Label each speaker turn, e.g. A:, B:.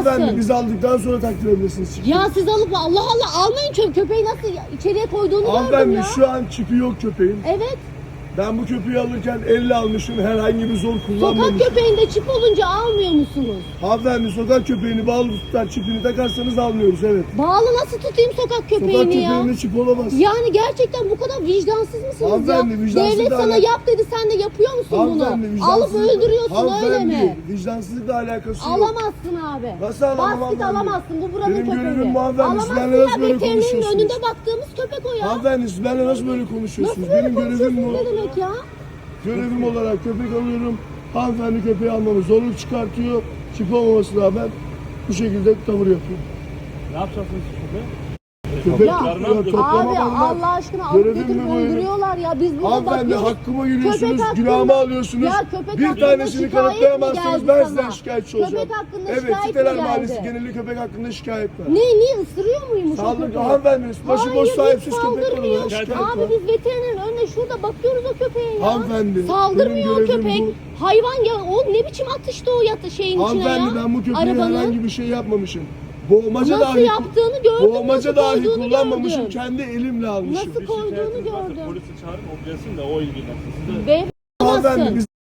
A: Hanımefendi biz aldıktan sonra takdir edebilirsiniz.
B: Ya siz alıp Allah Allah almayın, köpeği nasıl içeriye koyduğunu gördüm
A: Hanımefendi
B: ya.
A: şu an çipi yok köpeğin.
B: Evet.
A: Ben bu köpeği alırken elle almışım, herhangi bir zor kullanmamışım.
B: Sokak köpeğinde çip olunca almıyor musunuz?
A: Hanımefendi sokak köpeğini bağlı tutar, çipini takarsanız almıyoruz, evet.
B: Bağlı nasıl tutayım sokak köpeğini
A: Sokak
B: ya?
A: köpeğinde çip olamaz.
B: Yani gerçekten bu kadar vicdansız mısınız ya?
A: Hanımefendi, vicdansız
B: Devlet
A: da
B: sana
A: alak-
B: yap dedi, sen de yapıyor musun
A: Hanımefendi,
B: bunu? Alıp
A: vicdansızlık-
B: öldürüyorsun öyle
A: Hanımefendi,
B: mi?
A: vicdansızlıkla alakası yok.
B: Alamazsın abi.
A: Nasıl alamam
B: Basket
A: hanımefendi?
B: alamazsın, bu buranın
A: Benim
B: köpeği.
A: görevim bu hanımefendi, siz
B: Alamazsın
A: benimle nasıl
B: ya,
A: böyle
B: veterinerin
A: konuşuyorsunuz?
B: önünde baktığımız köpek o ya.
A: Hanımefendi siz benimle nasıl böyle konuşuyorsunuz?
B: Nasıl böyle
A: Benim görevim
B: konuşuyorsun,
A: bu.
B: ne demek ya?
A: Görevim olarak köpek alıyorum. Hanımefendi köpeği almamı zorluk çıkartıyor. Çip olmamasına rağmen bu şekilde tavır yapıyor.
C: Ne yapacaksınız köpeğe?
A: Köpek
B: Ya,
A: tutuyor, toplama
B: Abi
A: bana.
B: Allah aşkına alıp
A: Görevim
B: götürüp
A: mi bu benim?
B: öldürüyorlar ya. Biz burada
A: Hanımefendi
B: bakıyoruz.
A: hakkıma giriyorsunuz,
B: Köpek hakkında-
A: günahımı alıyorsunuz.
B: Ya köpek
A: Bir
B: hakkında
A: tanesini
B: şikayet mi
A: kanıtlayamazsanız
B: geldi
A: ben
B: sana?
A: sizden şikayetçi olacağım.
B: Köpek hakkında
A: Evet,
B: şikayet mi
A: Siteler
B: geldi?
A: Mahallesi geneli köpek hakkında şikayet var.
B: Niye ısırıyor muymuş o
A: Sağlık,
B: köpeği?
A: hanımefendi başıboş
B: Hayır,
A: sahipsiz
B: hiç
A: köpek var
B: saldırmıyor.
A: olarak şikayet
B: Abi
A: var.
B: biz veterinerin önünde şurada bakıyoruz o köpeğe ya.
A: Hanımefendi,
B: Saldırmıyor o
A: benim görevim
B: köpek.
A: bu.
B: Hayvan ya, o ne biçim atıştı o şeyin içine ya.
A: Hanımefendi ben bu köpeğe
B: Arabanın.
A: herhangi bir şey yapmamışım. Boğmaca
B: Nasıl
A: dahi,
B: yaptığını gördüm,
A: boğmaca
B: nasıl
A: dahi
B: koyduğunu
A: kullanmamışım.
B: gördüm.
A: Kendi elimle almışım.
B: Nasıl koyduğunu
C: Şikayetiniz varsa
B: gördüm.
C: polisi çağırın, o gelsin de o ilgilensin. Siz de
B: Beyefendi
A: Hanımefendi
B: alamazsın.
A: biz